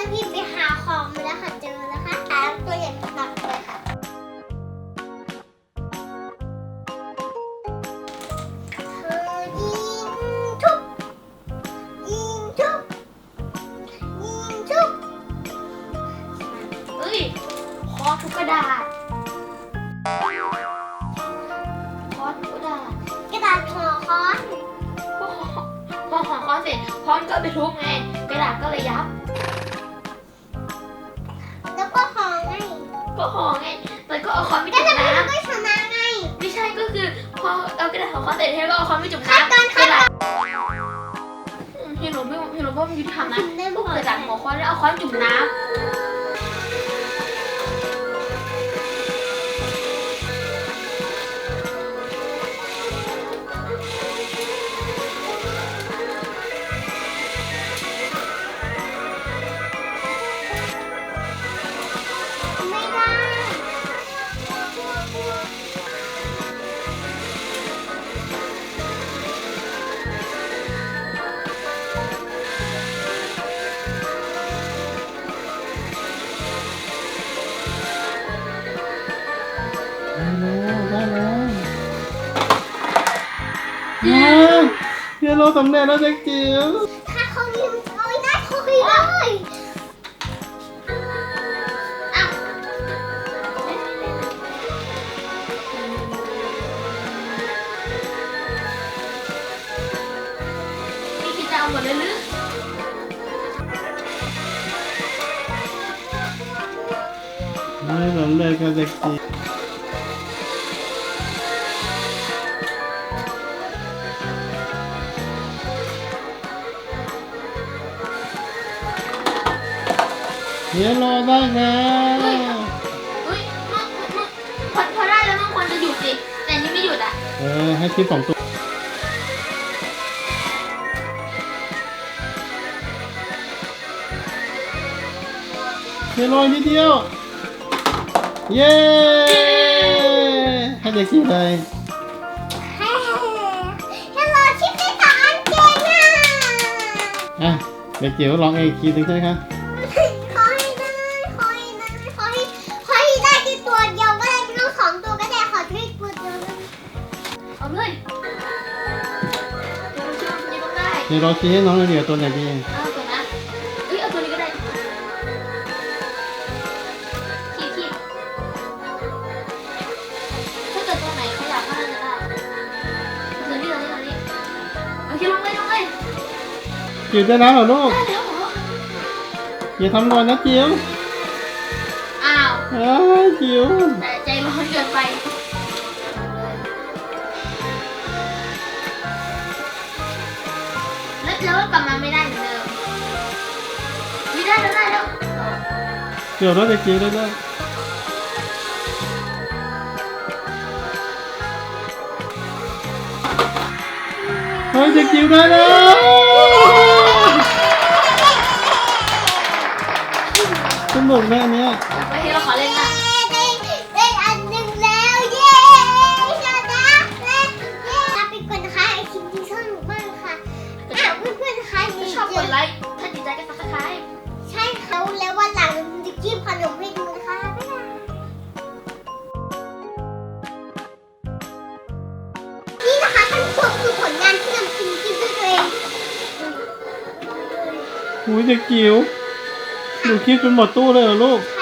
จะพี่ไปหาของมาแล้วค่ะเจอแล้วค่ะแต่ตัวใหญ่หนักเลยค่ะยิงทุบยิงทุบยิงทุบเฮ้ยคอทุกกระดาษคอทุกกระดาษกระดาษห่อค้อนพอห่อคอเสร็จคอนก็ไปทุบไงกระดาษก็เลยยับแล้วก็ห่อไงก็ห่อไงมันก็เอาคอนไปก็จุ่มจะไม่น้ำก็ชนะไงไม่ใช่ก็คือพอเอากระดาษห่อคอนเสร็จแล้วก็เอาคอนไปจุ่มขั้นน้ำตอนกระดาษเห็นหนูว่ามันยุติธรรมนะพวกกระดาษห่อคอนแล้วเอาคอนจุ่มน้ำไม่ได้ได้แล้วเฮียโรสำเร็จแล้วเด็กจิ๋วถ้าเขายิ้มเอาไว้ได้เขาคุยเลยอ้าวนี่คิดจะเอาหมดเลยหรือได้สำเร็จกับเด็กจิ๋วเฮียโรได้แล้วเฮ้ยพอได้แล้วมันควรจะหยุดสิแต่นี่ไม่หยุดอ่ะให้คลิป2 ตัวเฮียโรนิดเดียว เย้ให้เด็กจิ๋วเลยเฮ้ฮัลโหลชิปปี้กับอันเจนน่ะอ่ะเด็กจิ๋วลองเองคีย์หนึ่งใช่ไหมคะขอให้ได้ขอให้ได้ขอให้ได้ที่ตัวเดียวก็ได้ไม่ต้อง2 ตัวก็ได้ขอแค่ตัวเดียวเลยเอาเลยเดี๋ยวเราเชื่อมันจะต้องได้เฮียโรชี้ให้น้องเหลือตัวไหนดีเอาตัวนะเอ้ยเอาตัวนี้ก็ได้ขีดถ้าเกิดตัวไหนขยับก็น่าจะได้ตัวนี้เอาคิดลงเลยจิ๋วได้แล้วเหรอลูกได้แล้วเหรออย่าทำก่อนนะจิ๋วอ้าวจิ๋วแต่ใจร้อนเกินไปแล้วก็กลับมาไม่ได้เหมือนเดิมไม่ได้แล้วเกี่ยวรถเด็กจิ๋วได้แล้วเฮ้ยเด็กจิ๋วได้แล้วสนุกแม่เนี้ยไปที่เราขอเล่นละได้อันหนึ่งแล้วเย้ชนะแล้วเย้ลาไปก่อนนะคะไอคลิปนี้สนุกมากค่ะเพื่อนๆนะคะถ้าชอบกดไลค์ถ้าดีใจก็ซับสไครต์ใช่ค่ะแล้ววันหลังจะกินขนมให้ดูนะคะบ๊ายบายนี่นะคะท่านผู้ชมคือผลงานที่นำกินด้วยตัวเองหูยเด็กจิ๋วดูคลิปจนหมดตู้เลยเหรอลูกใช่